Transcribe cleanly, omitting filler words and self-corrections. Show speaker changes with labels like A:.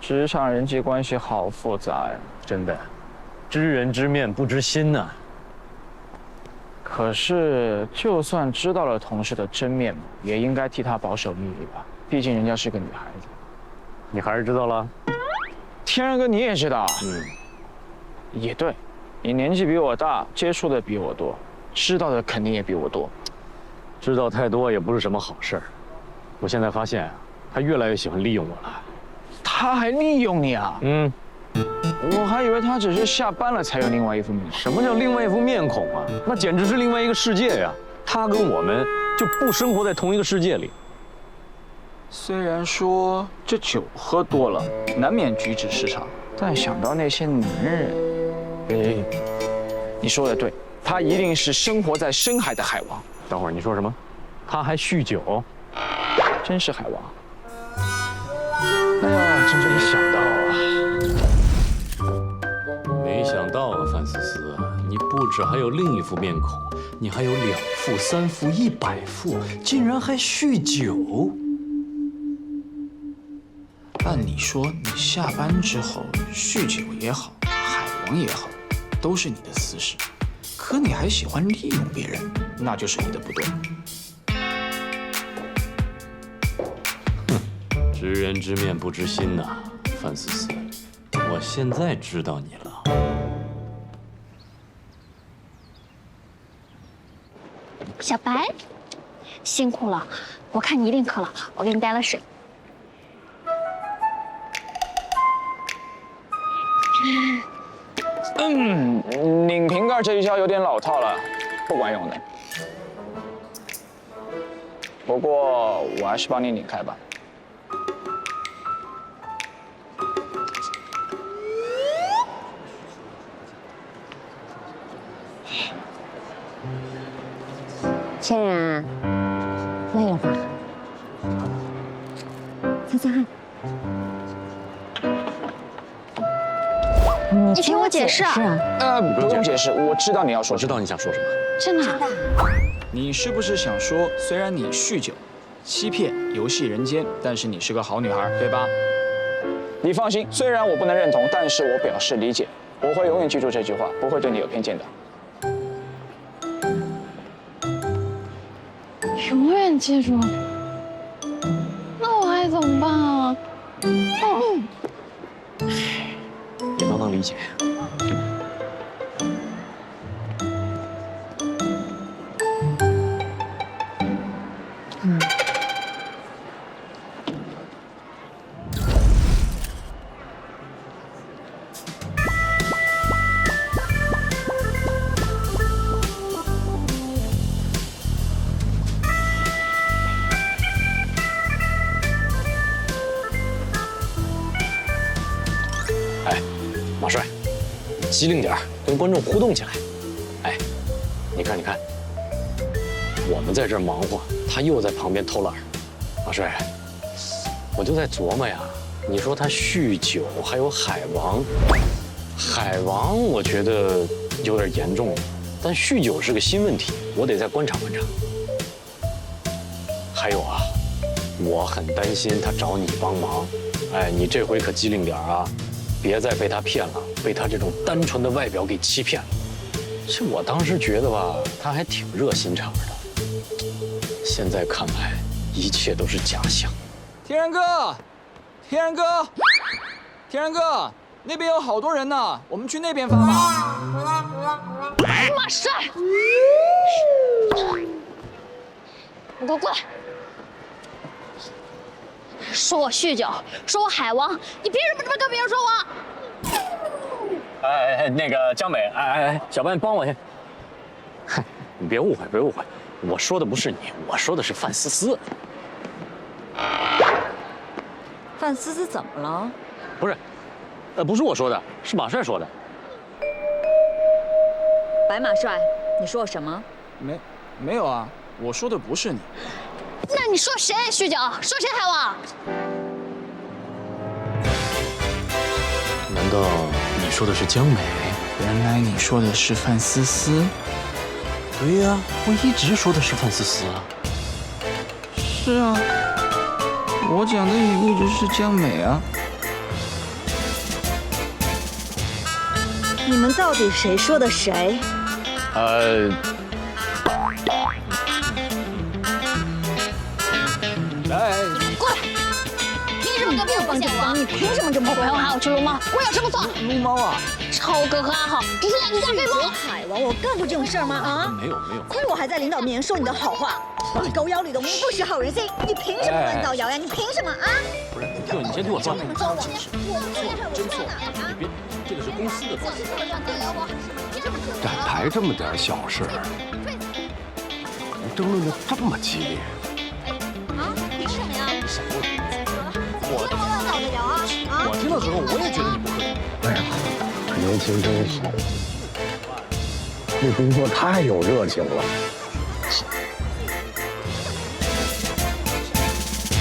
A: 职场人际关系好复杂呀，
B: 真的，知人知面不知心呐。
A: 可是，就算知道了同事的真面目，也应该替他保守秘密吧？毕竟人家是个女孩子。
B: 你还是知道了？
A: 天然哥，你也知道？也对，你年纪比我大，接触的比我多，知道的肯定也比我多。
B: 知道太多也不是什么好事儿。我现在发现啊，他越来越喜欢利用我了。
A: 他还利用你啊？我还以为他只是下班了才有另外一副面孔。
B: 什么叫另外一副面孔啊？那简直是另外一个世界呀！他跟我们就不生活在同一个世界里。
A: 虽然说这酒喝多了难免举止失常，但想到那些男人，你说的对，他一定是生活在深海的海王。
B: 等会儿你说什么？他还酗酒？
A: 真是海王！哎呀，真没想到啊！
B: 没想到啊，范思思，你不止还有另一副面孔，你还有2副、3副、100副，竟然还酗酒。
A: 按理说，你下班之后酗酒也好，海王也好，都是你的私事。可你还喜欢利用别人，那就是你的不对。
B: 知人知面不知心呐，范思思，我现在知道你了。
C: 小白，辛苦了，我看你一定渴了，我给你带了水。
A: 拧瓶盖这一招有点老套了，不管用的。不过我还是帮你拧开吧。
D: 千然，累了吧？擦擦汗。
C: 你听我解释啊！
A: 不用解释，我知道你要说
B: 我知道你想说什么。
C: 真的？
A: 你是不是想说，虽然你酗酒、欺骗、游戏人间，但是你是个好女孩，对吧？你放心，虽然我不能认同，但是我表示理解，我会永远记住这句话，不会对你有偏见的。
C: 永远记住。那我还怎么办啊？
B: 也都能理解。马帅，机灵点儿，跟观众互动起来。哎，你看，我们在这儿忙活，他又在旁边偷懒。马帅，我就在琢磨呀，你说他酗酒，还有海王，我觉得有点严重了，但酗酒是个新问题，我得再观察观察。还有啊，我很担心他找你帮忙，哎，你这回可机灵点儿啊！别再被他骗了，被他这种单纯的外表给欺骗了。这我当时觉得吧，他还挺热心肠的，现在看来一切都是假象。
A: 天然哥，那边有好多人呢，我们去那边发吧。
C: 马帅，你给我过来！说我酗酒，说我海王，你凭什么这么跟别人说我？
B: 哎，那个江美，小白，你帮我去。嗨，你别误会，我说的不是你，我说的是范思思。
D: 范思思怎么了？
B: 不是，不是我说的，是马帅说的。
D: 白马帅，你说我什么？
A: 没有啊，我说的不是你。
C: 那你说谁酗酒？说谁海王？
B: 难道你说的是江美？
A: 原来你说的是范思思。
B: 对呀，我一直说的是范思思啊。
A: 是啊，我讲的也一直是江美啊。
E: 你们到底谁说的谁？
A: 来，
C: 过来！凭什么跟别人不见我？
E: 你凭什么这么
C: 我还要去撸猫，我有什么错？
A: 撸猫啊！
C: 超哥和阿豪只是两个飞猫。
E: 海王，我干过这种事儿吗？啊？
B: 没有。
E: 亏我还在领导面前说你的好话，你狗咬吕洞宾，不识好人心，你凭什么乱造谣呀？你凭什么啊？
B: 不是，你先听我说。
E: 这么说我，
B: 真错，你别，这个是公司的错。
F: 展台这么点小事，争论的这么激烈。
C: 啊？凭什么呀？
B: 我
E: 这么乱造的谣啊？啊？
B: 我听到之后，我也觉得你不合理。
F: 哎呀，年轻真好，对工作太有热情了。